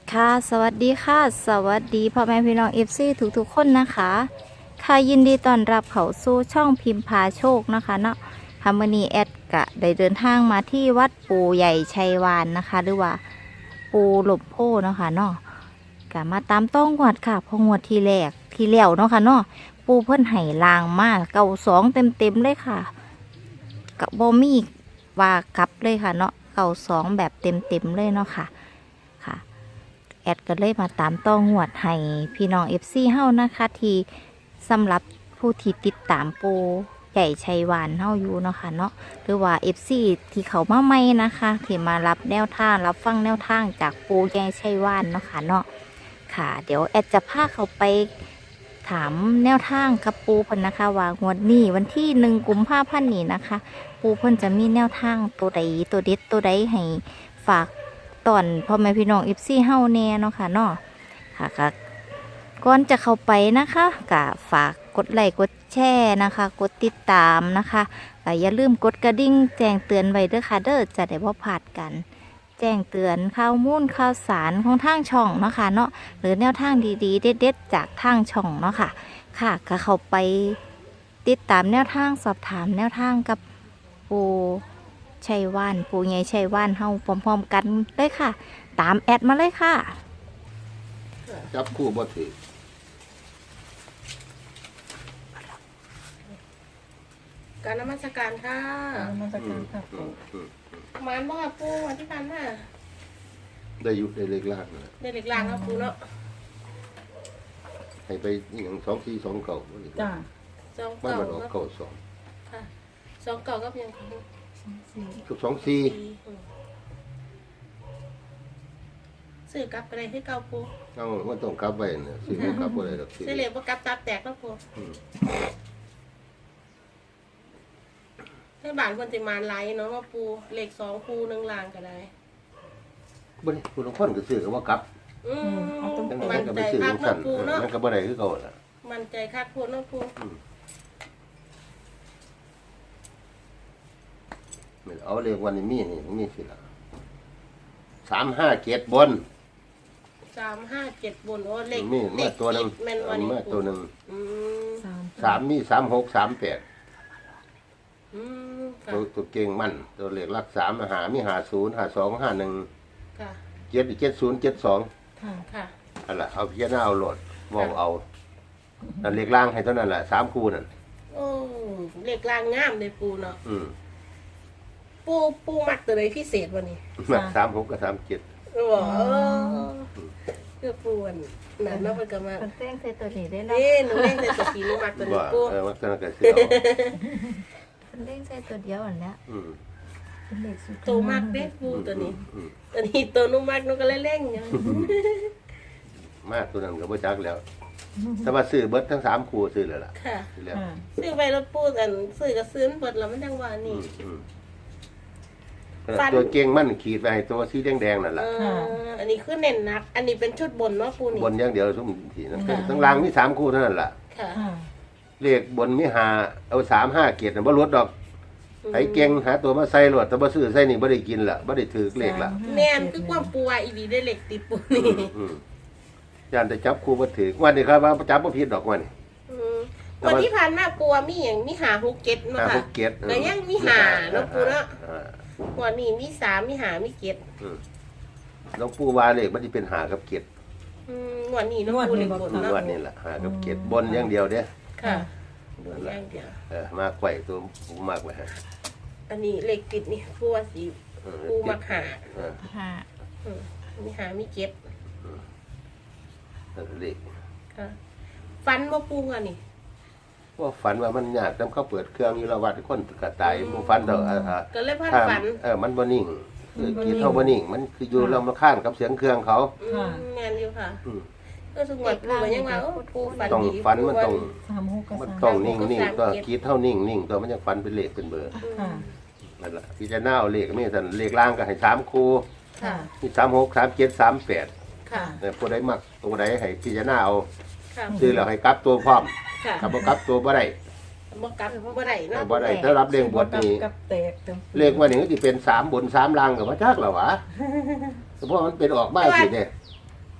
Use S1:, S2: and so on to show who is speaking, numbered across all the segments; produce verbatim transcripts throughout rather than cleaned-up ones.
S1: ค่ะสวัสดีค่ะสวัสดีพ่อแม่พี่น้องเอฟซีทุกๆคนนะคะค่ะยินดีต้อนรับเข้าสู่ช่องพิมพ์พาโชคนะคะเนาะพามอนีแอดกะได้เดินทางมาที่วัดปู่ใหญ่ชัยวานนะคะ หรือว่าปู่หลบโพเนาะค่ะเนาะกะมาตามต้องงวดค่ะพองวดที่แรกที่แล้วเนาะค่ะเนาะปู่เพิ่นไห้ลางมากเก่าสองเต็มเต็มเลยค่ะกับโบมีว่ากลับเลยค่ะเนาะเก่าสองแบบเต็มเต็มเลยเนาะค่ะค่ะแอดก็เลยมาตามต้องงวดให้พี่น้องเอฟซีเฮานะคะที่สำหรับผู้ที่ติดตามปูใหญ่ชัยวานเฮาอยู่เนาะค่ะเนาะหรือว่าเอฟซีที่เขามาใหม่นะคะที่มารับแนวทางรับฟังแนวทางจากปูใหญ่ชัยวานเนาะค่ะเนาะค่ะเดี๋ยวแอดจะพาเขาไปถามแนวทางกับปูเพิ่นนะคะว่างวดนี้วันที่หนึ่งกุมภาพันธ์นี้นะคะ ปูเพิ่นจะมีแนวทางตัวใดตัวเด็ดตัวใดให้ฝากตอนพ่อแม่พี่น้องเอฟซีเฮาแน่เนาะค่ะเนาะค่ะก็ก่อนจะเข้าไปนะคะก็ฝากกดไลค์กดแชร์นะคะ กดติดตามนะคะก็อย่าลืมกดกระดิ่งแจ้งเตือนไว้เด้อค่ะเด้อจะได้บ่พลาดกัน แจ้งเตือนข่าวมูลข่าวสารของทางช่องเนาะค่ะเนาะหรือแนวทางดีๆเด็ดๆจากทางช่องเนาะค่ะค่ะก็เข้าไปติดตามแนวทางสอบถามแนวทางกับปูชัยวานปูใหญ่ชัยวานเฮาพร้อมๆกันเลยค่ะ ตามแอดมาเลยค่ะ
S2: จับคู่บ่ถือ
S3: การนมัสการค่ะ
S4: มาจากการค่ะ
S2: อืมอืม
S3: มานบ่ค่ะปูวันที่พันน่ะ
S2: ได้อยู่ได้เล็กล่างนะ
S3: เด็กเล็กลางครับปูเนาะ
S2: ให้ไปอหย่างสองสี่สองเก่าบ่ได้
S4: จ้า
S3: สอง
S2: มัน
S3: เก่า
S2: มันออก
S3: ครับ
S2: เก่าสอง
S3: ค่ะสองเก่ากับยังค่ะ
S4: สี่
S2: ทุกสองสี่
S3: สี่อืมซื้อกลับไปได้ที่เก่าปู
S2: เอ้ามันต้องกลับไว้น่ะสิบ่กลับบ่ได้ดอกสิ
S3: ซื้อเหล็กบ่กลับตับแตกแล้วปู
S2: อืม
S3: ให้บ้านเพิ่นสิมาไล่เนาะว่าปูเหล็กสองปูหนึ่งลางก็ได้
S2: บ่ได้ผู้ลางคนก็ซื้อก็ว่ากลับ
S3: อืม
S2: จัง
S3: มั
S2: ได๋
S3: น
S2: ก็
S3: ใจ
S2: ไปซื้อ
S3: คัก
S2: จัง
S3: เนาะ
S2: ซั่น
S3: ปูเนาะ
S2: มันก็บ่ได้คือเก่าล่ะ
S3: มันใจคักปูเนาะปู
S2: แม่นเอาเลขวันนี้มีนี่มีสิล่ะสามห้าเจ็ดบน
S3: สามห้าเจ็ดบนโอ้เหล็ก
S2: มี
S3: เหล็
S2: มาก ตัวหนึง
S3: แม่นวันนี้
S2: มา
S3: ปู
S2: ตัวหนึง
S3: อืม
S4: สาม
S2: สามมีสามหกสามแปด
S3: อืมค่ะ
S2: ตัวตัวเก่งมันตัวเลขหลักสามหามีหาศูนย์หาสองหาหนึ่ง
S3: ค่ะ
S2: เจ็ดเจ็ดศูนย์เจ็ดสอง
S4: ค่ะ
S3: ค่ะ
S2: อันละเอาพิจารณาเอาโหลดมองเอานั่นเลขล่างให้เท่านั้นแหละสามคู่นั่น
S3: โอ้เหล็กลางงามเลยปูเนาะ
S2: อืม
S3: ปูปูมักตัวไหนพิเศษวันนี้
S2: มาสามหกกับสามเจ็ด
S3: โอ้โหคือปูอันนั้นเนาะมันก็มา
S1: เป็นเต้งใส่ตัวนี้ได้แล้ว
S3: นี่หนูเล่นในตัวสีหนูมักตัวนี้
S2: ว่า
S3: ปู
S2: เออมันก็เสียเอา
S1: เป็นเต้งใส่ตัวเดียวอันเนี้ย
S2: อืม
S4: เป็นเลขสุด
S3: ตัวมักเด้ปูตัวนี้
S2: อืม
S3: ตัวนี้ตัวหนูมักหนูก็เล่นเล่นอย่าง
S2: มากตัวนั้นก็บ่จักแล้ว แต่ว่าซื้อเบิดทั้งสามคู่ซื้อแล้วล่ะ
S3: ค่ะ
S2: ซื้อแล้ว
S4: ค่ะ
S3: ซื้อไปรถปูอันซื้อก็ซื้อเปิดแล้วมันจังหวะ
S2: อื
S3: นี่
S2: มอืมตัวเก่งมันขีดไปให้ตัวสีแดงๆนั่น
S3: เอ
S2: ล่ะ
S3: ออันนี้คือเน้นนัก อันนี้เป็นชุดบนเนาะปูนี่
S2: บนอย่างเดียวซุ่มทีนั้นทั้งล่างมีสามคู่เท่านั้นล่ะ
S3: ค่ะ
S4: ค่ะ
S2: เลขบนมีหาเอาสามห้าเกียรติบ่ลดดอกไอ้เก่งหาตัวมาใส่รวดแต่บ่ซื้อใส่นี่บ่ได้กินล่ะบ่ได้ถือเลขล่ะ
S3: แม่นคือความปูว่าอีดีได้เหล็กติดปูนี่
S2: อืมย่านได้จับคู่บ่ถือวันนี้ครับว่าจับบ่ผิดดอกวันนี้
S3: อืมวันที่ผ่านมาปูว่ามีอย่างมีหาหกเจ็ดเนาะ
S2: หา
S3: ค่ะ
S2: หกเกียรติ
S3: แต่ยังมีหาเนาะปูเนาะ
S2: อ่า
S3: วันนี้มีสามมีหามีเจ็ด
S2: อืมหลวงปู่ว่าเลขมันสิเป็นหากับเกียรติ
S3: อืมวันนี้เนาะปูเหล็กบน
S2: ง
S3: เนาะ
S2: วดนี้ล่ะหากับเกียรติบนอย่างเดียวเด้
S3: ค่ะ
S2: นั่น
S3: อ
S2: ล่ะ
S3: ย่างเดียว
S2: เออมาไขว้ตัวปูมากไว้ฮะ
S3: อันนี้เหล็กติดนี่ปูว่าสี
S2: เออ
S3: ปูมักหา
S2: เออ
S1: ค่ะ
S3: อืมมีหามีเจ็ด
S2: เออเลข
S3: ค่ะฟันว่าปูอ่ะนี่
S2: ว่าฝันว่ามันยากนำเขาเปิดเครื่องอยู่ละวัดคนก็ตายบ่ฝันดอกอ่าอ่า
S3: ก็เลยพัน
S2: ถ้า
S3: ฝัน
S2: เออมันบ่นิ่งคือกีดเท่าบ่นิ่ง มันคืออยู่เรามาข้านกับเสียงเครื่องเขา
S3: อืมแมนอยู่ค่ะ
S2: อืม
S3: ก็สงวนปูก็ยังว่าโอ้ปูฝัน
S2: ต้อง
S3: ดี
S2: ฝันมันต้อง
S4: สามหกกับ
S2: มัน
S4: สาม
S2: ต้องนิ่งนิ่งตัวกีดเท่านิ่งนิ่งตัวมันจะฝันเป็นเลขเป็นเบอร์
S4: ค่ะ
S2: นั่นล่ะพี่จะหน้าเอาเลขมีแต่เลขล่างก็ให้สามคู่
S3: ค่ะ
S2: มีสามหกสามเจ็ดสามแปด
S3: ค่ะ
S2: เนี่ยผู้ใดมักตัวใดให้พี่จะหน้าเอา
S3: ค่ะ
S2: ซื้อแล้วให้กลับตัวพร้อม
S3: ค่ะ
S2: ถ้าบ่กลับตัวบ่ได้
S3: บ่กลับบ่ได้เนาะ
S2: บ่ได้ถ้ารับเลขบทนี้
S4: กับแตกต็ม
S2: เลขว่านี่ก็สิเป็นสามบนสามล่างก็บ่จักแล้ววะเพราะมันเป็นออกบ้านสิเนี่ย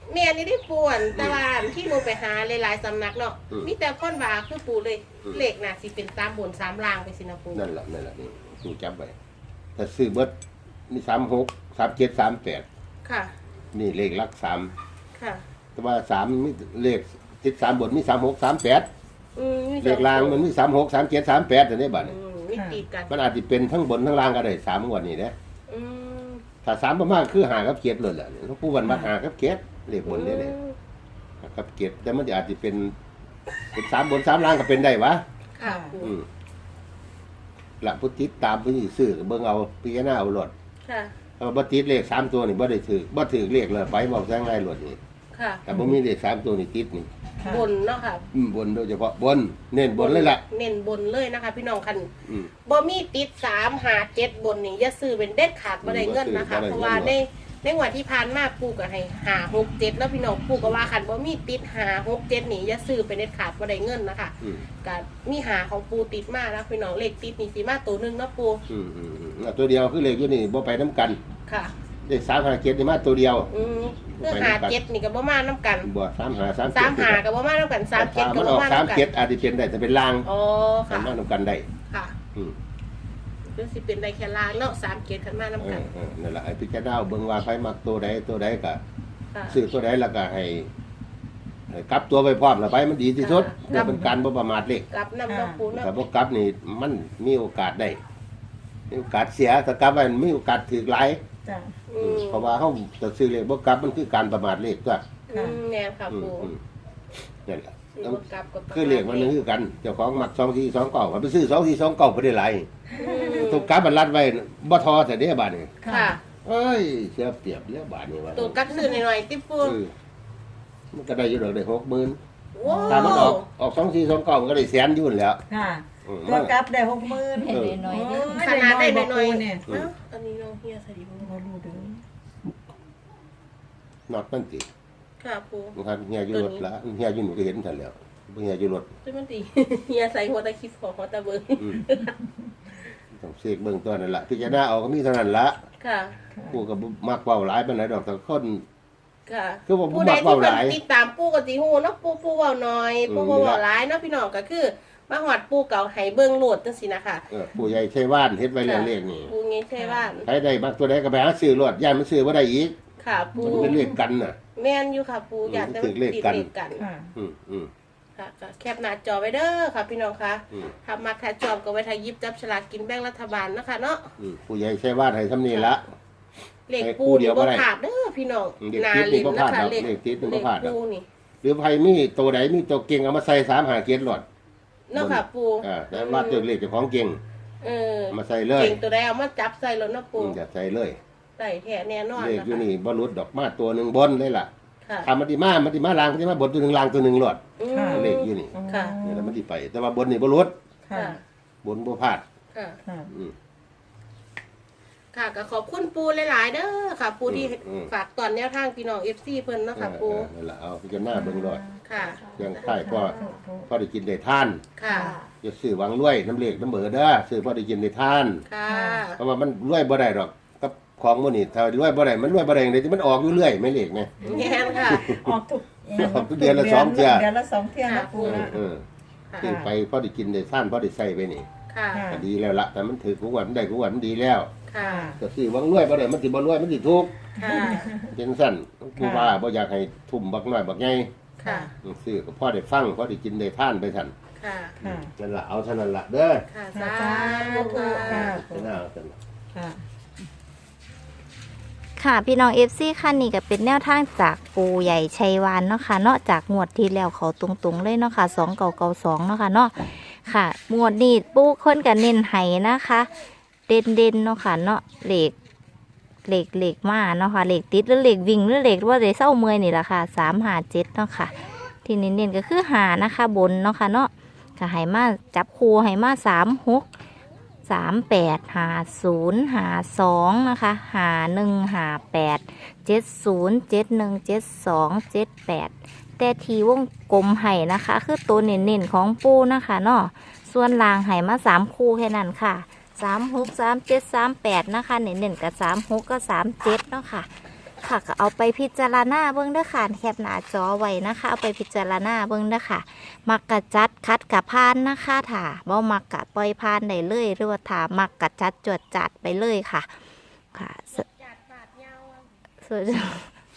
S3: แม่นี่ได้ป่วนแต่ว่าที่หนูไปหาหลายๆสำนักเนาะ
S2: อืม
S3: มีแต่คนว่าคือปูเลย
S2: อืม
S3: เลขน่ะสิเป็นสามบนสามล่างไปสินะปู
S2: นั่นแหละนั่นแหละนี่กูจำไว้ถ้าซื้อเบิดมีสามหกสามเจ็ดสามแปด
S3: ค่ะ
S2: นี่เลขหลักสาม
S3: ค่ะ
S2: แต่ว่าสามมีเลขติดสามบนมีสามหกสามแปด
S3: อืมมี
S2: เลขล่างมันมีสามหกสามเจ็ดสามแปดแต่นี่บัด
S3: อื
S2: นี้
S3: มมีติดกัน
S2: มันอาจจะเป็นทั้งบนทั้งล่างก็ได้สามงวดนี้นะ
S3: อืม
S2: ถ้าสามประมาณคือหากับเกียรติเลยแหละเขาพูดวันมาหากับเกียรติเลขบนนี่เลยหากับเกียรติแต่มันอาจจะเป็นเป็นสามบนสามล่างก็เป็นได้วะ
S3: ค่ะปู
S2: อืมหลักพุทธิตามพุทธิซื้อเบิ่งเอาพิจารณาเอาหลด
S3: ค่ะ
S2: ถ้าบ่ติดเลขสามตัวนี่บ่ได้ถือบ่ถือเลขเลยไปบอกซะง่ายหลดนี่
S3: ค่ะ
S2: แต่บ่มีเลขสามตัวนี่ติดนี่
S4: ค่ะ
S3: บนเนาะค่ะ
S2: อืมบนโดยเฉพาะบนเน้นบนเลยล่ะ
S3: เน้นบนเลยนะคะ พี่น้องคัน
S2: อืม
S3: บ่มีติดสามหาเจ็ดบนนี่อย่าซื้อเป็นเด็ดขาดบ่ได้เงินนะคะ
S2: บ่ได้เงิน
S3: เพราะว่าในในงวันที่ผ่านมาปูก็ให้หาหกเจ็ดแล้วพี่น้องปูก็ว่าคันบ่มีติดหาหกเจ็ดนี่อย่าซื้อเป็นเด็ดขาดบ่ได้เงินนะคะ
S2: อืม
S3: ก็มีหาของปูติดมาแล้วพี่น้องเลขติดนี่สิมาตัวหนึงเนาะปู
S2: อืมอืมอืมแล้วตัวเดียวคือเลขอยู่นี่บ่ไปน้ำกัน
S3: ค่ะ
S2: เลขสามหาเกียรตินี่มาตัวเดียว
S3: อืมเพื่อหาเจ็ดนี่ก็บ่มาน้ำกัน
S2: บ่สามหาสาม
S3: สามหาก็บ่มาน้ำกันสามเจ็ดก็
S2: มัน
S3: บ่
S2: ออก
S3: มา
S2: สาม
S3: น้ำกั
S2: เกียร
S3: น
S2: ติอาจจะเป็นได้แต่เป็นลาง
S3: อ๋อ
S2: สา
S3: ค่ะ
S2: มารถนำกันได้
S3: ค่ะ
S2: อืม
S3: คือสิเป็นได้แค่ลางเนาะสามเจ็ดขันมา
S2: เอ
S3: น้ำกั
S2: อน เออนั่นแหละให้พิจารณาเอาเบิ่งว่าไผมักตัวใดตัวใดก็
S3: ค่ะ
S2: ซื้อตัวใดแล้วก็ให้ให้กลับตัวไปพร้อมแล้วไปมันดีที่สุด
S3: ค่ะ
S2: เพื่อเป็นการบ่ประมาทเลข
S3: กลับน้ำเนาะปูเนาะ
S2: ถ้าบ่กลับนี่มันมีโอกาสได้มีโอกาสเสียถ้ากลับไว้มันมีโอกาสถูกหลาย
S4: จ้ะ
S3: อืม
S2: เพราะว่าเฮาจะซื้อเลขบ่กลับมันคือการประมาทเลขตัว
S3: อืมแน่ค่ะ
S2: อืม
S3: ปู
S2: อืมนั่นแหละ
S3: ซื้อบ่กลับก็ประมาณ
S2: คือเลขมันนึงคือกันเจ้าของมักสองสี่สองเก้าก็ไปซื้อสองสี่สองเก้าบ่ได้หลาย
S3: อืม
S2: ถูกกลับมันรัดไว้บ่ทอแต่เด้บาดนี้
S3: ค่ะ
S2: เอ้ยเสียเปรียบแล้วบาดนี้ว่า
S3: ตัวกลับซื้อหน่อยๆติ๊บปู
S2: เออมันก็ได้อยู่ดอกได้หกหมื่น
S3: ว้า
S2: ถ้ามันอ
S3: ว
S2: อกออกสองสี่สองเก้ามันก็ได้แสนอยู่นั่นแหล้ว
S4: ค่ะ
S2: อืม
S4: ตัวกลับได้หกหมื่น
S1: เห็นหน่อยๆเด้อ
S3: ขนาดได้หน่อย
S4: เนี่ย
S3: ๆเอ้าอันนี้น้องเฮียใส่ดีบ่
S4: บ่รู้เด้อน
S2: อกมันติ
S3: ค่ะปู
S2: มันครับเฮียอยู่รถละเฮียอยู่หนูก็เห็นทันแล้วบ่เฮียอยู่รถ
S3: ซึ่งมันดีเฮียใส่หัวตะคิดของหัวตะเบิง
S2: อืมต้องเสกเบิ่งตัวนั่นล่ะพิจารณาเอาก็มีเท่านั้นละ
S3: ค่ะ
S2: กูก็บ่มักเว้าหลายปานใดดอกแต่คน
S3: ค่ะ
S2: คือว่าผม
S3: ผู้ใด
S2: มัก
S3: ที่
S2: เว้าห
S3: เพิ่
S2: ลาย
S3: นติดตามปูก็สิฮู้เนาะปูปูเว้าน้อย
S2: อืม
S3: ปูบ่เว้าหลายเนาะพี่น้องก็คือมาฮอดปูเก่าให้เบิ่งโหลดจังซี่นะคะ
S2: เออผู้ใหญ่ชัยว่านเฮ็ดไว้แล้วเลขนี่
S3: ปูงี้ใช่บ้าน
S2: ใครได้มักตัวใดก็ไปหาซื้อรถย่านมันซื้อบ่ได้อีก
S3: ค่ะปู
S2: มันเป็นเลขกันน่ะ
S3: แม่นอยู่ค่ะปู
S2: อืม
S3: อยากจะ
S2: ติดเลขกัน
S3: ติดกัน
S4: ค่ะ
S2: อืมอืม
S3: ค่ะก็แคปหน้าจอไว้เด้อค่ะพี่น้องคะ
S2: อืม
S3: ถ้ามาถ้าจอบก็ไว้ถ้าหยิบจับฉลากกินแบ่งรัฐบาลนะคะเนาะ
S2: อืมผู้ใหญ่ชัยว่านให้ทำนี่ละ
S3: เลข
S2: ให้
S3: ปู
S2: คู่เดี
S3: นี่
S2: ยวบ่
S3: บ่
S2: ได้
S3: ขาดเด้อพี่น้อง
S2: เลข
S3: นา
S2: ติดนี่
S3: ลิน
S2: บ่
S3: นะ
S2: พลาด
S3: คะ
S2: ดอก
S3: เลข
S2: เลขติดนี่
S3: เล
S2: บ่
S3: ข
S2: พลาดดอก
S3: ปูนี่
S2: หรือไผมีตัวใดมีตัวเก่งเอามาใส่สามหาเกียรติรถ
S3: เนาะค่ะปู
S2: อ่าแต่ว่าตัวเลขเจ้าของเก่ง
S3: เออ
S2: เอามาใส่เลย
S3: เก่งตัวใดเอามาจับใส่รถเนาะปู
S2: อืมอย่าใส่เลย
S3: ใส่แท้แน่นอน
S2: เลข
S3: นะ
S2: อยู่
S3: คะ
S2: นี่บ่หลุดดอกมาตัวหนึงบนเลยล่ะ
S3: ค่ะ
S2: ถ้ามันสิมามันสิมาลางมันสิมาบนตัวหนึงลางตัวหนึงรถ
S3: อืม
S2: เลขอยู่นี่
S3: ค่ะ
S2: นี่แหละมันสิไป แต่ว่าบนนี่บ่หลุด
S4: ค่ะ
S3: ค่ะ
S2: บนบ่พลาด
S3: ค่ะ
S4: ค่ะ
S2: อืม
S3: ค่ะก็ขอบคุณปูหลายๆเด้อค่ะ ปูที่
S2: อืม
S3: ฝากตอนแนวทางพี่น้อง เอฟ ซี เพิ่นเนาะค่ะปู
S2: เออเออนั่นล่ะเอาพิจารณาเบิ่งรถ
S3: ค่ะ
S2: ยังไข่พ่อพ่อได้กินได้ทาน
S3: ค่ะ
S2: อย่าซื้อหวังรวยน้ำเลขน้ำเบอร์เด้อซื้อพ่อได้กินได้ทาน
S3: ค่ะ
S2: เพราะว่ามันรวยบ่ได้ดอกกับของมื้อนี้ถ้ารวยบ่ได้มันรวยบ่ได้จังได๋ที่มันออกอยู่เรื่อยไม่เลขไง
S3: แง่นค่ะ
S4: ออกทุก
S2: ออกทุกเดือนละสองเทื่อ
S4: เดือนละสองเที่ยนะปู
S2: เออ
S4: นะ
S2: เออ
S3: ค่ะ
S2: ซื้อไปพ่อได้กินได้ทานพ่อได้ใช้ไปนี่
S3: ค่ะ
S4: ค่ะ
S2: ก็ดีแล้วละแต่มันถือกูว่ามันได้กูว่ามันดีแล้ว
S3: ค่ะ
S2: ก็ซื้อหวังรวยบ่ได้มันสิบ่รวยมันสิทุกข์
S3: ค่ะ
S2: เป็นสั้นผู้ว่าบ่อยากให้ทุ่มบักน้อยบักใหญ่
S3: ค่ะ
S2: ซื้อก็พ่อได้ฟังพ่อได้กินได้ทานไปซั่น
S3: ค่ะ
S4: ค่ะ
S2: นั่นล่ะเอาเท่านั้นล่ะเด้อ
S3: ค่ะ
S4: สา
S3: สาธุ
S4: ธุค่ะ
S2: จะน่าเอาซั่นล่ะ
S4: ค่ะ
S1: ค่ะพี่น้องเอฟซีคันนี้ก็เป็นแนวทางจากปูใหญ่ชัยวานเนาะค่ะเนาะจากงวดที่แล้วเขาตรงๆเลยเนาะค่ะสองเก่าเก่าสองเนาะค่ะเนาะค่ะงวดนี้ปูคนกับเน้นไห้นะคะ เด่นเด่นๆเนาะค่ะเนาะเหล็กเหล็กเหล็กมาเนาะค่ะเหล็กติดหรือเหล็กวิ่งหรือเหล็กว่าเหล็กเศร้าเมื่อยนี่แหละค่ะสามหาเจ็ดเนาะค่ะ ที่เน้นๆก็คือหานะคะบนเนาะค่ะเนาะก็ให้มาจับคูให้มาสามหกสามแปดหาศูนย์หาสองนะคะหาหนึ่งหาแปดเจ็ดศูนย์เจ็ดหนึ่งเจ็ดสองเจ็ดแปดแต่ทีวงกลมไห่นะคะ คือตัวเน้นๆของปูนะคะเนาะส่วนลางไห่มาสามคู่แค่นั้นค่ะสามหกสามเจ็ดสามแปดนะคะเน้นๆกับสามหกก็สามเจ็ดเนาะค่ะค่ะก็เอาไปพิจารณาเบิ่งเด้อค่ะแคปหน้าจอไว้นะคะ เอาไปพิจารณาเบิ่งเด้อค่ะ มักกะจัดคัดกะพานนะคะถ้าบ่มักกะปล่อยพานได้เลยหรือว่าถ้ามักกะจัดจวดจัดไปเลยค่ะค่ะส
S3: จัดบาดยาวอะ
S1: สวยจัง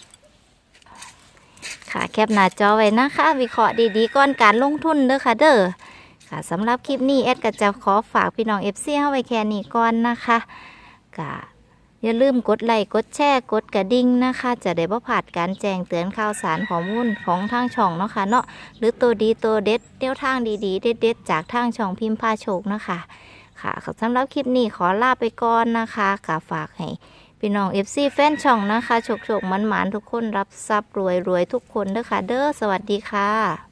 S1: ค่ะแคปหน้าจอไว้นะคะ วิเคราะห์ดีๆก่อนการลงทุนเด้อค่ะเด้อค่ะสำหรับคลิปนี้แอดก็จะขอฝากพี่น้อง เอฟ ซี เฮาไว้แค่นี้ก่อนนะคะก็อย่าลืมกดไลค์กดแชร์กดกระดิ่งนะคะ จะได้บ่พลาดการแจ้งเตือนข่าวสารข้อมูลของทางช่องเนาะค่ะเนาะหรือตัวดีตัวเด็ดเดี่ยวทางดีๆเด็ดๆจากทางช่องพิมพ์พาโชคนะคะค่ะสำหรับคลิปนี้ขอลาไปก่อนนะคะก็ฝากให้พี่น้อง เอฟ ซี แฟนช่องนะคะโชคๆหมันๆทุกคนรับทรัพย์รวยๆทุกคนเด้อค่ะเด้อสวัสดีค่ะ